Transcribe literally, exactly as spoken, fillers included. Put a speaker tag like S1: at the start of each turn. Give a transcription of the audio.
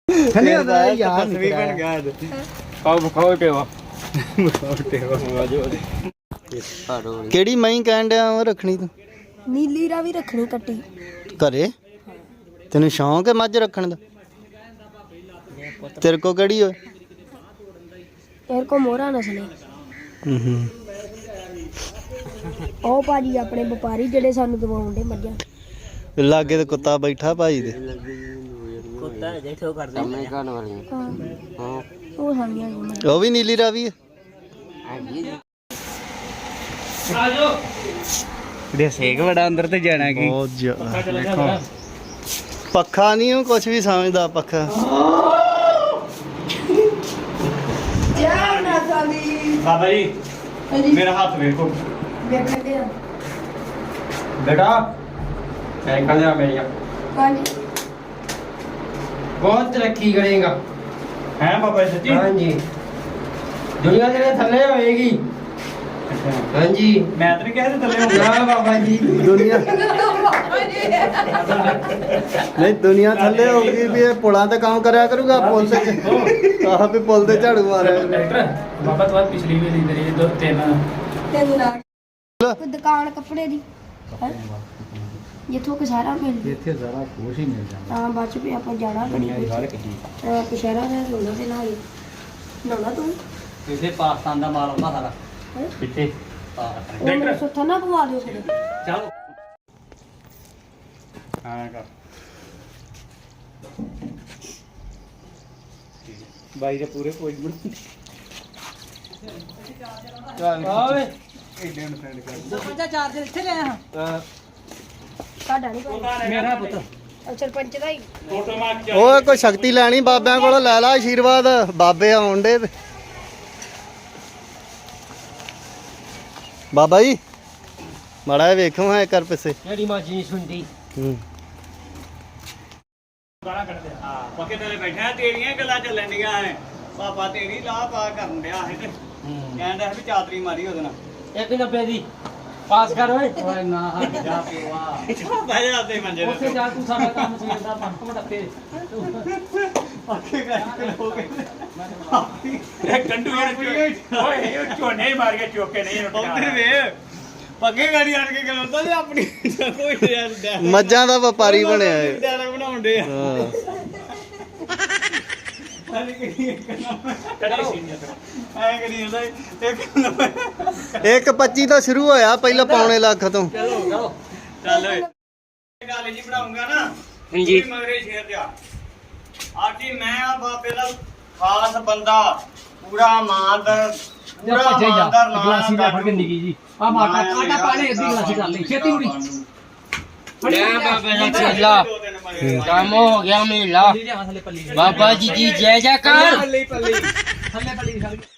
S1: ਖੰਨੇ ਦਾ ਯਾਰ
S2: ਤਸਵੀਰ ਬਣ ਗਿਆ ਅੱਜ ਖਾਓ ਖਾਓ ਟੇਵਾ ਖਾਓ ਟੇਵਾ ਆਜੋ
S1: ਕਿਹੜੀ ਮਹੀਂ ਕਹਿਣ ਡਿਆ ਉਹ ਰੱਖਣੀ ਤੂੰ
S3: ਨੀਲੀ ਰਾਵੀ ਰੱਖਣੀ ਕੱਟੀ
S1: ਘਰੇ ਤੈਨੂੰ ਸ਼ੌਂਕ ਹੈ ਮੱਝ ਰੱਖਣ ਦਾ ਤੇਰੇ ਕੋ ਕਿਹੜੀ ਓਏ
S3: ਇਹ ਕੋ ਮੋਹਰਾ ਨਸਲੇ
S1: ਹੂੰ ਹੂੰ
S3: ਉਹ ਭਾਜੀ ਆਪਣੇ ਵਪਾਰੀ ਜਿਹੜੇ ਸਾਨੂੰ ਦਵਾਉਂਦੇ ਮੱਝਾਂ
S1: ਲਾਗੇ ਤੇ ਕੁੱਤਾ ਬੈਠਾ ਭਾਜੀ ਦੇ
S2: ਕੁੱਤਾ ਦੇਖੋ ਕਰਦੇ ਮੈਂ ਗਾਣ ਵਾਲੀ
S3: ਹਾਂ
S2: ਹਾਂ
S3: ਉਹ ਸਾਡੀਆਂ ਗਈਆਂ।
S1: ਉਹ ਵੀ ਨੀਲੀ ਰਾਵੀ ਹੈ
S2: ਆਜੋ ਦੇ ਸੇਕ ਬੜਾ ਅੰਦਰ ਤੇ ਜਾਣਾ ਕੀ
S1: ਬਹੁਤ ਜ਼ਿਆਦਾ ਪੱਖਾ ਨਹੀਂ ਉਹ ਕੁਝ ਵੀ ਸਮਝਦਾ ਪੱਖਾ
S3: ਜਾ ਨਾ ਸਾਡੀ
S2: ਬਾਬਾ ਜੀ ਮੇਰਾ ਹੱਥ ਵੇਖੋ
S3: ਵੇਖ ਲੱਗੇ ਆ
S2: बेटा साइकिल जा मेरी
S3: ਹਾਂਜੀ
S2: बहुत तरक्की करेगा हैं बाबा सच्ची हाँ जी दुनिया तेरे थल्ले होएगी हाँ जी मैं तो नहीं कह रहा थल्ले होगा ना बाबा जी
S1: ਦੁਨੀਆ ਨਹੀਂ ਦੁਨੀਆ ਥੱਲੇ ਹੋ ਗਈ ਵੀ ਇਹ ਪੁਲਾਂ ਤੇ ਕੰਮ ਕਰਿਆ ਕਰੂਗਾ ਪੁਲ ਤੇ ਆਹ ਵੀ ਪੁਲ ਤੇ ਝਾੜੂ ਮਾਰਿਆ
S2: डॉक्टर बाबा तो बात पिछली भी ली मेरी दो तीन
S3: ਤੈਨੂੰ ਨਾ ਕੋਈ ਦੁਕਾਨ ਕੱਪੜੇ ਦੀ ਹੈਂ? ਜਿੱਥੋਂ ਕਿ ਸਾਰਾ ਮਿਲ ਜੇ
S2: ਇੱਥੇ ਜ਼ਰਾ ਖੁਸ਼ ਹੀ ਮਿਲ ਜਾਂਦਾ
S3: ਤਾਂ ਬਾਅਦ ਚ ਵੀ ਆਪਾਂ ਜਾਣਾ ਕੜੀ ਵਿੱਚ ਪਸ਼ਹਿਰਾ ਦਾ ਲੋਣਾ ਤੇ ਨਾਲ ਲਾਉਣਾ ਤੂੰ
S2: ਇੱਥੇ ਪਾਕਿਸਤਾਨ ਦਾ ਮਾਲ ਆਉਂਦਾ ਸਾਰਾ
S3: ਹੈਂ?
S2: ਇੱਥੇ
S3: ਉਹ ਮੇਰੇ ਸੁੱਥਾ ਨਾ ਪਵਾ ਦਿਓ ਫਿਰ
S2: ਚਲੋ ਹਾਂ ਕਰ ਬਾਈ ਦੇ ਪੂਰੇ ਕੋਈ ਬਣ ਆਵੇ ਇਹ ਡੈਂਡ ਫਰੈਂਡ ਕਰ
S3: ਪੰਜਾ ਚਾਰਜਰ ਇੱਥੇ ਲੈ ਆ ਤੁਹਾਡਾ ਨਹੀਂ ਕੋਈ
S2: ਮੇਰਾ ਪੁੱਤ
S3: ਉਹ ਸਰਪੰਚ ਦਾ ਹੀ
S2: ਫੋਟੋ ਮਾਰ ਕੇ
S1: ਓਏ ਕੋਈ ਸ਼ਕਤੀ ਲੈਣੀ ਬਾਬਿਆਂ ਕੋਲੋਂ ਲੈ ਲਾ ਆਸ਼ੀਰਵਾਦ ਬਾਬੇ ਆਉਣ ਡੇ ਤੇ ਬਾਬਾ ਜੀ ਮਾੜਾ ਜਿਹਾ ਵੇਖੋ ਹਾਂ ਕਰ ਪਿੱਛੇ
S2: ਜਿਹੜੀ ਮਾਜੀ ਨਹੀਂ ਸੁਣਦੀ
S1: ਹੂੰ
S2: ਗਾਣਾ ਕੱਢਦੇ ਹਾਂ ਪੱਕੇ ਤੇਰੇ ਬੈਠਾ ਤੇਰੀਆਂ ਗੱਲਾਂ ਚੱਲਣ ਡੀਆਂ ਐ ਪਾਪਾ ਤੇਰੀ ਲਾਹ ਪਾ ਕਰਨ ਡਿਆ ਹੈ ਤੇ ਕਹਿੰਦਾ ਵੀ ਚਾਤਰੀ ਮਾਰੀ ਉਹਦੇ ਨਾਲ
S4: ਇੱਕ ਨੱਬੇ ਦੀ ਪਾਸ ਕਰ ਓਏ ਓਏ ਨਾ ਹਟ ਜਾ ਪਿਆ
S2: ਬਹਿ ਜਾ ਤੇ ਮੰਜੇ
S4: ਉੱਥੇ ਜਾ ਤੂੰ ਸਾਡਾ ਕੰਮ ਸਵੇਰ ਦਾ ਪੰਪ ਮਟੱਕੇ
S2: ਪੱਕੇ ਕਰਕੇ ਹੋ ਗਏ
S5: ਇਹ ਕੰਡੂ ਯਾਰ ਓਏ ਇਹ ਝੋਨੇ ਮਾਰ ਕੇ ਚੋਕੇ ਨਹੀਂ
S2: ਉੱਥੇ ਵੇ ਪੱਕੇ ਗਾੜੀ ਆਣ ਕੇ ਖਲੋਤਾ ਤੇ ਆਪਣੀ ਕੋਈ ਯਾਰ
S1: ਮੱਝਾਂ ਦਾ ਵਪਾਰੀ ਬਣਿਆ ਏ
S2: ਡਾਇਲੌਗ ਬਣਾਉਣ ਦੇ
S1: ਹਾਂ
S2: ਐ ਕਰੀ
S5: ਕੜੀ ਸੀ
S2: ਐ ਕਰੀ ਹੁੰਦਾ ਇੱਕ
S1: ਇੱਕ ਪੱਚੀ ਤੋਂ ਸ਼ੁਰੂ ਹੋਇਆ ਪਹਿਲਾਂ ਪੌਣੇ ਲੱਖ ਤੋਂ
S2: ਚਲੋ ਚਲੋ ਚੱਲ ਓਏ ਗੱਲ ਜੀ ਬਣਾਉਂਗਾ ਨਾ
S4: ਹਾਂਜੀ
S2: ਮਗਰੇ ਸ਼ੇਰ ਜਾ ਆਜੀ ਮੈਂ ਆ ਬਾਬੇ ਦਾ ਖਾਸ ਬੰਦਾ ਪੂਰਾ ਇਮਾਨਦਾਰ ਪੂਰਾ
S4: ਭੱਜੇ ਜਾ
S2: ਇਮਾਨਦਾਰ
S4: ਗਲਾਸੀ ਦਾ ਫੜ ਕੇ ਨਿੱਕੀ ਜੀ ਆ ਮਾਟਾ ਆਟਾ ਪਾਣੇ ਅੱਧੀ ਗਲਾਸੀ ਕਰ ਲਈ ਛੇਤੀ ਮੁੜੀ
S6: जय बाबा जी चेला काम हो गया मेला
S4: ਥੱਲੇ ਪੱਲੀ
S6: बाबा जी की जय जयकार
S4: ਥੱਲੇ ਪੱਲੀ ਥੱਲੇ ਪੱਲੀ